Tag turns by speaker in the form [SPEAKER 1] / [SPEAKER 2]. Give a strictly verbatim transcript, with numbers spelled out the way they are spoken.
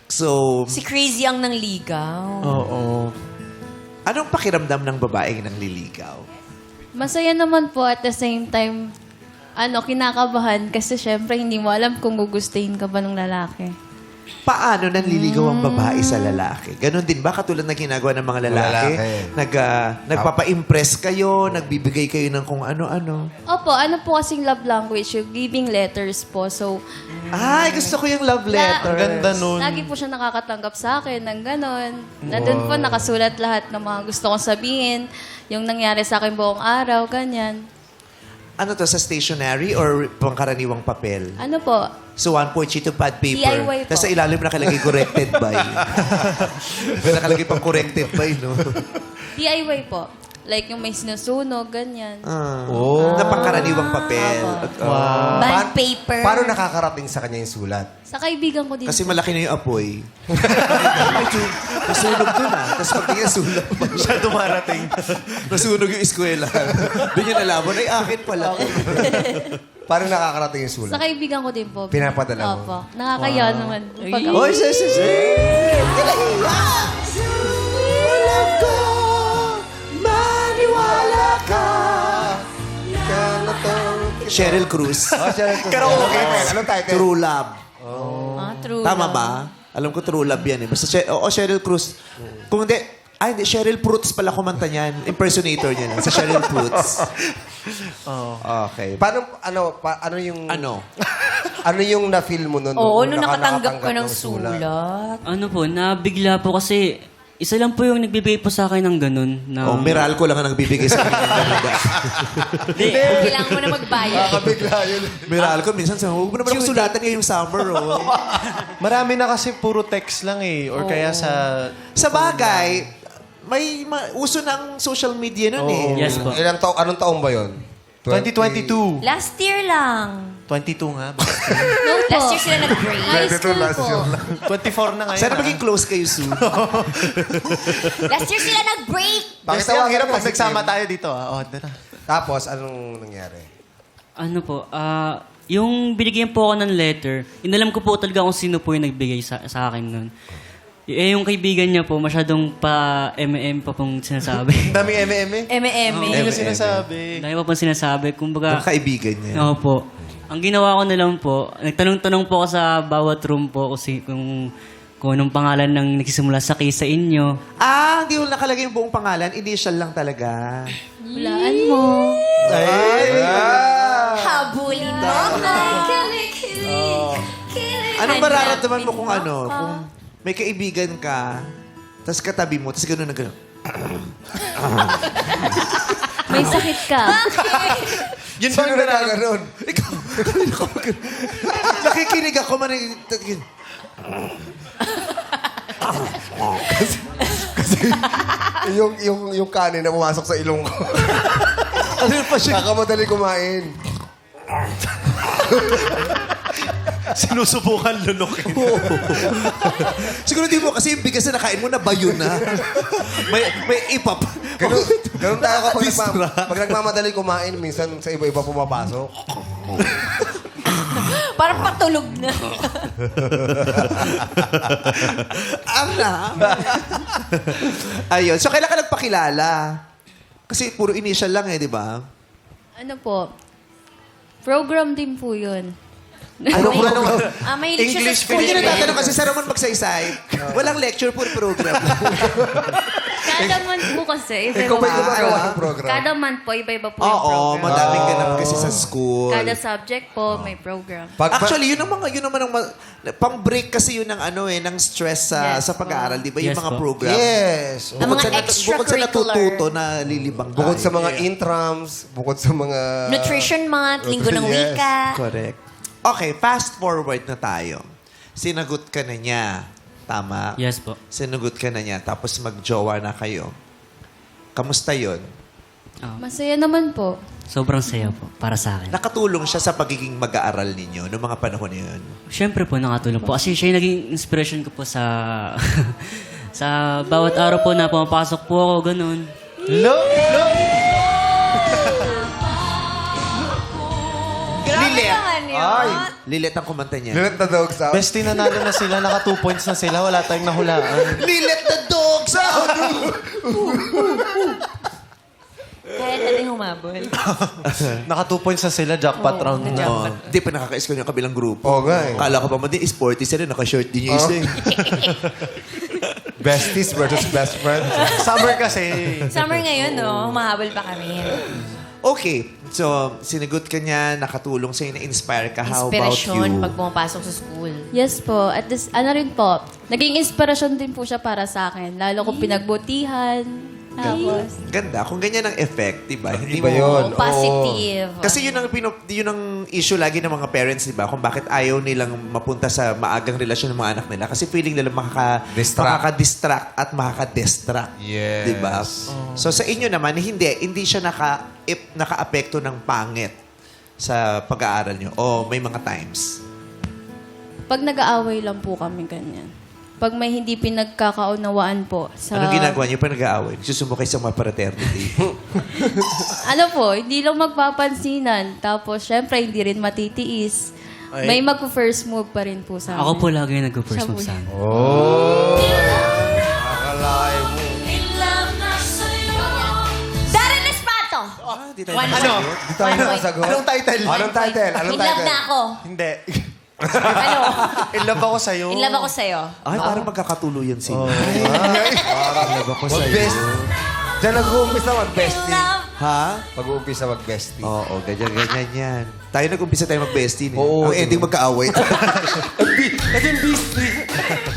[SPEAKER 1] So,
[SPEAKER 2] Si Crazy ang nangligaw.
[SPEAKER 1] oo. Anong pakiramdam ng babaeng nang liligaw?
[SPEAKER 3] Masaya naman po at the same time, ano, kinakabahan kasi syempre hindi mo alam kung gugustuhin ka ba ng lalaki.
[SPEAKER 1] Paano nanliligaw ang babae sa lalaki? Ganon din ba? Katulad na ginagawa ng mga lalaki?
[SPEAKER 4] Lalaki.
[SPEAKER 1] Nag, ah, nagpapa-impress kayo, nagbibigay kayo ng kung ano-ano.
[SPEAKER 3] Opo, ano po kasing love language, yung giving letters po. So,
[SPEAKER 1] Ay, gusto ko yung love letter.
[SPEAKER 5] Ganda nun.
[SPEAKER 3] lagi po siya nakakatanggap sa akin ng ganon. Na doon po nakasulat lahat ng mga gusto kong sabihin, yung nangyari sa akin buong araw, ganyan.
[SPEAKER 1] Ano to, sa stationery or pangkaraniwang papel?
[SPEAKER 3] Ano po?
[SPEAKER 1] So, one point sheet of pad paper.
[SPEAKER 3] D I Y po.
[SPEAKER 1] Tapos sa ilalim nakalagay corrected by. May nakalagay pang corrected by, no?
[SPEAKER 3] D I Y po. Like yung may sinusunog, ganyan.
[SPEAKER 1] Ah, oh. Na pangkaraniwang papel.
[SPEAKER 3] Apo.
[SPEAKER 1] Wow.
[SPEAKER 2] Band
[SPEAKER 4] Paan-
[SPEAKER 2] paper.
[SPEAKER 4] Paano nakakarating sa kanya yung sulat?
[SPEAKER 3] Sa kaibigan ko din.
[SPEAKER 1] Kasi malaki na yung apoy. Nasunog dun ah. Tapos pagtingin, sulat pa.
[SPEAKER 5] Siya dumarating.
[SPEAKER 1] Nasunog yung eskwela. Doon yung nalaman, ay akin pala.
[SPEAKER 4] Paano nakakarating yung
[SPEAKER 3] Sa
[SPEAKER 4] sulat?
[SPEAKER 3] kaibigan ko din po.
[SPEAKER 4] Pinapadala mo?
[SPEAKER 3] Opo. Nakakaya naman. Pag
[SPEAKER 1] Oy, sis, sis, sis. Walang ko, maniwala ka. Cheryl Cruz.
[SPEAKER 4] Oh, siya rin. Karaoke. Anong title?
[SPEAKER 1] True Love.
[SPEAKER 3] Ah, true.
[SPEAKER 1] Tama
[SPEAKER 3] lang.
[SPEAKER 1] ba? Alam ko True Love yan eh. Basta, Che- oo, Cheryl Cruz. Kung hindi, ay hindi, Cheryl Fruits pala kumanta niyan. Impersonator niya lang. Sa Cheryl Fruits. Okay.
[SPEAKER 4] Paano, ano, pa, ano yung...
[SPEAKER 1] Ano?
[SPEAKER 4] ano yung na-feel mo nun?
[SPEAKER 2] Oo,
[SPEAKER 4] nung
[SPEAKER 2] nung
[SPEAKER 4] naka-
[SPEAKER 2] nakatanggap ko ng
[SPEAKER 4] sulat?
[SPEAKER 2] sulat.
[SPEAKER 6] Ano po, nabigla po kasi isa lang po yung nagbibigay po sa akin ng ganun. Na,
[SPEAKER 1] Oh, Meralco lang ang nagbibigay sa akin ng ganda.
[SPEAKER 2] Kailangan mo na magbayad.
[SPEAKER 4] Nakakabigla yun.
[SPEAKER 1] Meralco, minsan sabi, huwag mo naman ako sulatan ngayong summer, oh.
[SPEAKER 5] Marami na kasi puro text lang eh. Or kaya sa...
[SPEAKER 1] Sa bagay, may ma- uso ng social media nun eh.
[SPEAKER 6] Yes po.
[SPEAKER 4] Ilang taong, anong taong ba yun?
[SPEAKER 5] twenty twenty-two.
[SPEAKER 2] Last year lang.
[SPEAKER 5] twenty-two nga. ba?
[SPEAKER 3] No po.
[SPEAKER 2] Last year sila nag-break.
[SPEAKER 3] High school po.
[SPEAKER 5] twenty-four na ngayon.
[SPEAKER 1] Sana
[SPEAKER 5] ah.
[SPEAKER 1] maging close kayo soon.
[SPEAKER 2] Last year sila nag-break.
[SPEAKER 5] Bakit
[SPEAKER 4] Tawagin
[SPEAKER 5] ang hirap
[SPEAKER 4] mo
[SPEAKER 5] pag
[SPEAKER 4] si
[SPEAKER 5] nagsama
[SPEAKER 4] Kim.
[SPEAKER 5] tayo dito ah. Oh, dara.
[SPEAKER 4] Tapos, anong nangyari?
[SPEAKER 6] Ano po, ah, yung binigyan po ako ng letter, inalam ko po talaga kung sino po yung nagbigay sa, sa akin nun. Eh, yung kaibigan niya po, masyadong pa-M M pa pong sinasabi.
[SPEAKER 5] Daming eme-eme.
[SPEAKER 2] Eme-eme.
[SPEAKER 5] Hindi na sinasabi.
[SPEAKER 6] Dahil pa pong sinasabi. Kumbaga,
[SPEAKER 1] Ang kaibigan niya.
[SPEAKER 6] Oo po. Ang ginawa ko na lang po, nagtanong-tanong po ako sa bawat room po kasi kung, kung anong pangalan ng nagsisimula sa case sa inyo.
[SPEAKER 1] Ah, hindi mo nakalagay yung buong pangalan. Initial lang talaga.
[SPEAKER 3] Hulaan mo.
[SPEAKER 2] Habulin mo.
[SPEAKER 1] Anong mararamdaman mo kung ano? Kung may kaibigan ka, tapos katabi mo, tapos gano'n na gano'n.
[SPEAKER 3] May sakit ka.
[SPEAKER 1] Yun
[SPEAKER 4] Sino nagkaganon?
[SPEAKER 1] Ikaw, ikaw, nakikinig ako man.
[SPEAKER 4] yung, yung, yung kanin na pumasok sa ilong ko.
[SPEAKER 1] Ano pa siya?
[SPEAKER 4] Nakamadali kumain.
[SPEAKER 5] Sinusubukan lunukin.
[SPEAKER 1] Siguro di mo kasi yung bigas na nakain mo na bayo na. may, may ipap.
[SPEAKER 4] Ganun, ganun tayo kapag
[SPEAKER 1] Distra.
[SPEAKER 4] nagma, pag nagmamadali kumain, minsan sa iba-iba pumapasok.
[SPEAKER 2] Parang patulog na.
[SPEAKER 1] Ang na. Ayun. So, kailan ka nagpakilala? Kasi puro initial lang eh, di ba?
[SPEAKER 3] Ano po? Program din po yun.
[SPEAKER 1] Ano po? Ano?
[SPEAKER 2] Ah, mahilig siya
[SPEAKER 5] English
[SPEAKER 2] sa
[SPEAKER 1] Kung
[SPEAKER 2] school.
[SPEAKER 1] yun ang tatanong kasi sa Ramon Magsaysay, walang lecture, puro program.
[SPEAKER 3] Kada month po kasi,
[SPEAKER 4] Ikaw
[SPEAKER 3] iba-iba
[SPEAKER 4] ba
[SPEAKER 3] po.
[SPEAKER 4] gumagawa ng program?
[SPEAKER 3] Kada month po, iba-iba po yung
[SPEAKER 1] Oo,
[SPEAKER 3] program.
[SPEAKER 1] madaming ganap kasi sa school.
[SPEAKER 3] Kada subject po, may program.
[SPEAKER 4] Pag,
[SPEAKER 1] Actually, yun ang mga, yun naman ang, ma- pang-break kasi yun ng ano eh, ng stress sa
[SPEAKER 3] Yes,
[SPEAKER 1] sa pag-aaral, di ba? Yung
[SPEAKER 6] Yes,
[SPEAKER 1] mga
[SPEAKER 6] po.
[SPEAKER 1] program.
[SPEAKER 4] yes.
[SPEAKER 2] Ang mga
[SPEAKER 1] sa nat- bukod sa
[SPEAKER 2] extracurricular.
[SPEAKER 1] natututo na lilibang
[SPEAKER 4] Bukod
[SPEAKER 1] tayo.
[SPEAKER 4] sa mga intrams, bukod sa mga...
[SPEAKER 2] Nutrition month, linggo ng
[SPEAKER 4] Yes.
[SPEAKER 2] wika.
[SPEAKER 1] Correct. Okay, fast forward na tayo. Sinagot ka na niya. Tama?
[SPEAKER 6] Yes po.
[SPEAKER 1] Sinagot ka na niya. Tapos mag-jowa na kayo. Kamusta yun?
[SPEAKER 3] Masaya naman po.
[SPEAKER 6] Sobrang saya po para sa akin.
[SPEAKER 1] Nakatulong siya sa pagiging mag-aaral ninyo noong mga panahon na yun.
[SPEAKER 6] Siyempre po, nakatulong po. Kasi siya yung naging inspiration ko po sa... sa bawat araw po na pumapasok po ako, ganun.
[SPEAKER 5] Look! Look!
[SPEAKER 1] Lilet.
[SPEAKER 4] Ay!
[SPEAKER 1] Lilit ang kumanta niya.
[SPEAKER 4] Lilit na dogs out.
[SPEAKER 5] Bestie, nanalo na sila. Naka two points na sila. Wala tayong nahulaan.
[SPEAKER 1] Lilit the dogs out!
[SPEAKER 2] Kaya natin humabol.
[SPEAKER 5] Naka two points na sila. Jackpot round na.
[SPEAKER 1] Oo. Hindi pa nakaka-score yung kabilang grupo.
[SPEAKER 4] Oo nga eh.
[SPEAKER 1] Kala ko pa man din, sporty sila, naka-shirt din yung isa eh.
[SPEAKER 4] Besties versus best friends.
[SPEAKER 5] Summer kasi.
[SPEAKER 2] Summer ngayon, no? Humahabol pa kami.
[SPEAKER 1] Okay, so sinagot ka niya, nakatulong sa'yo, na-inspire ka. How about
[SPEAKER 2] Inspirasyon
[SPEAKER 1] you?
[SPEAKER 2] pag pumapasok sa school.
[SPEAKER 3] Yes po. At this, ano rin po, naging inspirasyon din po siya para sa akin. Lalo kung pinagbutihan. Tapos,
[SPEAKER 1] Ganda. Kung ganyan ang effect, di ba? Hindi
[SPEAKER 4] Iba
[SPEAKER 1] mo-
[SPEAKER 4] yun.
[SPEAKER 2] Oh, positive.
[SPEAKER 1] Kasi yun ang, pino, yun ang issue lagi ng mga parents, di ba? Kung bakit ayaw nilang mapunta sa maagang relasyon ng mga anak nila. Kasi feeling nila makaka,
[SPEAKER 4] Distract.
[SPEAKER 1] makaka-distract at makaka-distract.
[SPEAKER 4] Yes.
[SPEAKER 1] Di ba? So sa inyo naman, hindi. Hindi siya naka, ip, naka-apekto ng pangit sa pag-aaral nyo. O may mga times.
[SPEAKER 3] pag nag-aaway lang po kami ganyan. Pag may hindi pinagkakaunawaan po sa...
[SPEAKER 1] Anong ginagawa niyo pag nag-aaway? Susumukay sa mga fraternity.
[SPEAKER 3] ano po, hindi lang magpapansinan. Tapos, syempre, hindi rin matitiis. May mag-first move pa rin po sa amin.
[SPEAKER 6] Ako po lagi
[SPEAKER 3] Siya
[SPEAKER 6] nag-first
[SPEAKER 3] po
[SPEAKER 6] move sa akin.
[SPEAKER 4] Oh. Akalain mo.
[SPEAKER 2] Darren Espato!
[SPEAKER 1] ah, di tayo
[SPEAKER 2] One
[SPEAKER 1] nakasagot.
[SPEAKER 2] point.
[SPEAKER 4] Di tayo
[SPEAKER 2] One point.
[SPEAKER 4] nakasagot.
[SPEAKER 5] Anong title?
[SPEAKER 4] Anong title? Anong
[SPEAKER 2] In love
[SPEAKER 4] title?
[SPEAKER 2] na ako.
[SPEAKER 5] Hindi.
[SPEAKER 2] Ano?
[SPEAKER 5] In love ako sa'yo.
[SPEAKER 2] In love ako sa'yo.
[SPEAKER 1] Ay, parang magkakatuluyan sila.
[SPEAKER 5] Oh.
[SPEAKER 1] Love ako sa'yo.
[SPEAKER 4] Mag-best. Diyan nag-uumpisa mag-bestie.
[SPEAKER 2] Love.
[SPEAKER 1] Ha?
[SPEAKER 4] Mag-uumpisa mag-bestie.
[SPEAKER 1] Oo, ganyan-ganyan yan. Tayo nag-umpisa tayo mag-bestie. Eh.
[SPEAKER 4] Oo,
[SPEAKER 1] Ang ending magkaaway.
[SPEAKER 4] Naging bestie.